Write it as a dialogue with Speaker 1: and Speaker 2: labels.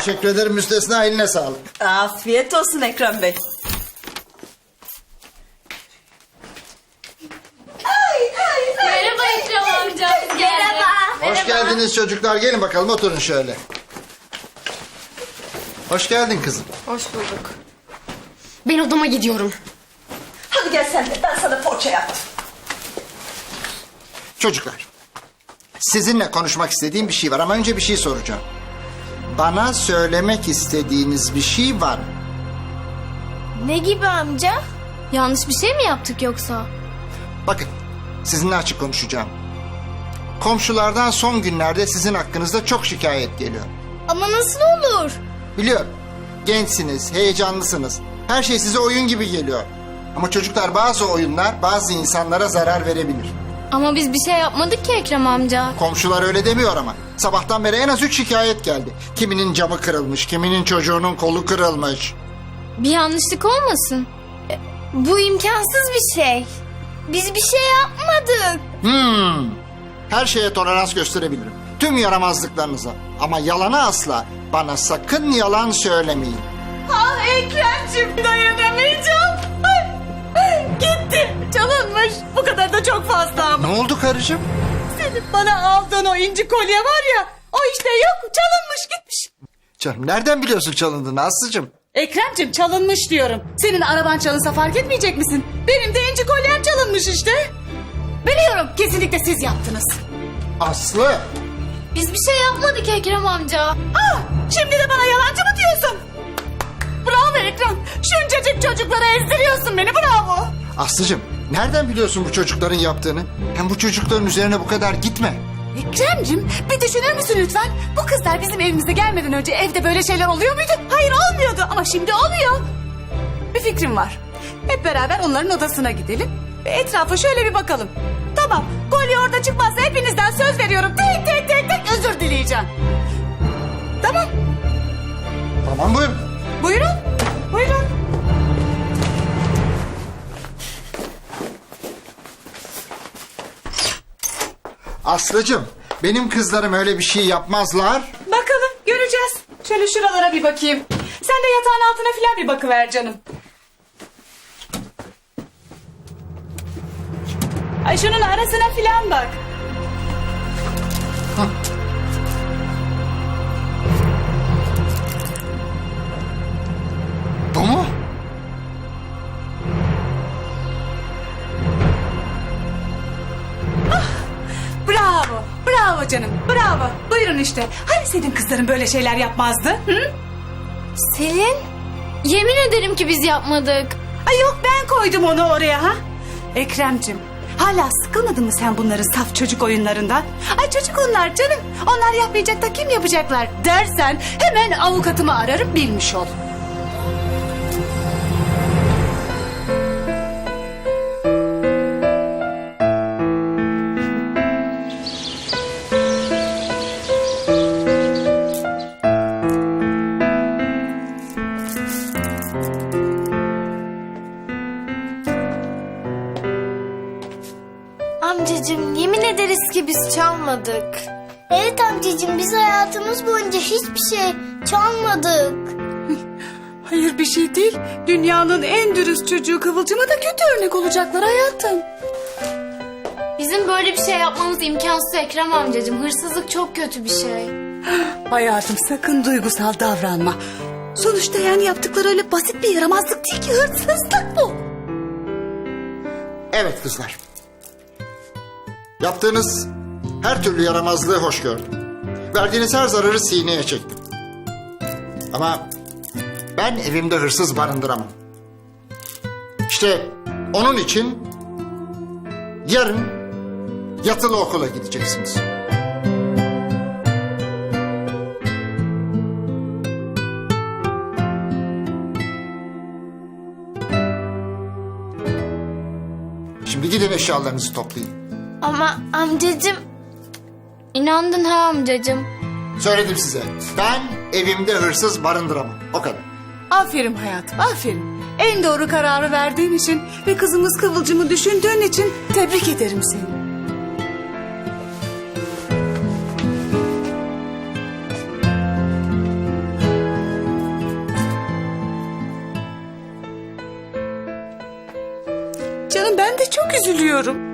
Speaker 1: Teşekkür ederim müstesna, eline sağlık.
Speaker 2: Afiyet olsun Ekrem Bey.
Speaker 3: Merhaba Ekrem amca. Merhaba.
Speaker 1: Hoş geldiniz çocuklar, gelin bakalım oturun şöyle. Hoş geldin kızım.
Speaker 3: Hoş bulduk. Ben odama gidiyorum.
Speaker 2: Hadi gel sen de, ben sana poğaça yaptım.
Speaker 1: Çocuklar, sizinle konuşmak istediğim bir şey var ama önce bir şey soracağım. Bana söylemek istediğiniz bir şey var mı?
Speaker 3: Ne gibi amca? Yanlış bir şey mi yaptık yoksa?
Speaker 1: Bakın, sizinle açık konuşacağım. Komşulardan son günlerde sizin hakkınızda çok şikayet geliyor.
Speaker 3: Ama nasıl olur?
Speaker 1: Biliyorum, gençsiniz, heyecanlısınız. Her şey size oyun gibi geliyor. Ama çocuklar, bazı oyunlar bazı insanlara zarar verebilir.
Speaker 3: Ama biz bir şey yapmadık ki Ekrem amca.
Speaker 1: Komşular öyle demiyor ama. Sabahtan beri en az 3 şikayet geldi. Kiminin camı kırılmış, kiminin çocuğunun kolu kırılmış.
Speaker 3: Bir yanlışlık olmasın? Bu imkansız bir şey. Biz bir şey yapmadık.
Speaker 1: Her şeye tolerans gösterebilirim. Tüm yaramazlıklarınıza. Ama yalana asla. Bana sakın yalan söylemeyin.
Speaker 2: Ah Ekrem'cim, dayanamayacağım. Gitti, çalınmış. Bu kadar da çok fazla ama.
Speaker 1: Ne oldu karıcığım?
Speaker 2: Senin bana aldığın o inci kolye var ya, o işte yok, çalınmış gitmiş.
Speaker 1: Canım, nereden biliyorsun çalındığını Aslı'cığım?
Speaker 2: Ekrem'cim, çalınmış diyorum. Senin araban çalınsa fark etmeyecek misin? Benim de inci kolyem çalınmış işte. Biliyorum, kesinlikle siz yaptınız.
Speaker 1: Aslı!
Speaker 3: Biz bir şey yapmadık Ekrem amca.
Speaker 2: Ah, şimdi de bana yalancı mı diyorsun? Bravo Ekrem, şuncacık çocuklara ezdiriyorsun beni, bravo.
Speaker 1: Aslı'cığım, nereden biliyorsun bu çocukların yaptığını? Hem bu çocukların üzerine bu kadar gitme.
Speaker 2: Ekrem'cim, bir düşünür müsün lütfen? Bu kızlar bizim evimize gelmeden önce evde böyle şeyler oluyor muydu? Hayır, olmuyordu ama şimdi oluyor. Bir fikrim var. Hep beraber onların odasına gidelim ve etrafa şöyle bir bakalım. Tamam, kolye orada çıkmazsa hepinizden söz veriyorum. Tek özür dileyeceğim. Tamam.
Speaker 1: Tamam, buyurun.
Speaker 2: Buyurun. Buyurun.
Speaker 1: Aslı'cığım, benim kızlarım öyle bir şey yapmazlar.
Speaker 2: Bakalım, göreceğiz. Şöyle şuralara bir bakayım. Sen de yatağın altına filan bir bakıver canım. Ay, şunun arasına filan bak.
Speaker 1: Bu mu?
Speaker 2: Bravo. Bravo canım. Bravo. Buyurun işte. Hani senin kızların böyle şeyler yapmazdı? Hı?
Speaker 3: Selin, yemin ederim ki biz yapmadık.
Speaker 2: Ay yok, ben koydum onu oraya ha. Ekrem'cim, hala sıkılmadın mı sen bunların saf çocuk oyunlarından? Ay çocuk onlar canım. Onlar yapmayacak da kim yapacaklar dersen hemen avukatımı ararım, bilmiş ol.
Speaker 3: Amcacığım, yemin ederiz ki biz çalmadık. Evet amcacığım, biz hayatımız boyunca hiçbir şey çalmadık.
Speaker 2: Hayır, bir şey değil. Dünyanın en dürüst çocuğu Kıvılcım'a da kötü örnek olacaklar hayatım.
Speaker 3: Bizim böyle bir şey yapmamız imkansız Ekrem amcacığım. Hırsızlık çok kötü bir şey.
Speaker 2: Hayatım, sakın duygusal davranma. Sonuçta yani yaptıkları öyle basit bir yaramazlık değil ki, hırsızlık bu.
Speaker 1: Evet kızlar. Yaptığınız her türlü yaramazlığı hoş gördüm. Verdiğiniz her zararı sineye çektim. Ama ben evimde hırsız barındıramam. İşte onun için yarın yatılı okula gideceksiniz. Şimdi gidin eşyalarınızı toplayın.
Speaker 3: Ama amcacığım... İnandın ha amcacığım.
Speaker 1: Söyledim size. Ben evimde hırsız barındıramam. O kadar.
Speaker 2: Aferin hayatım, aferin. En doğru kararı verdiğin için ve kızımız Kıvılcım'ı düşündüğün için tebrik ederim seni. çok üzülüyorum.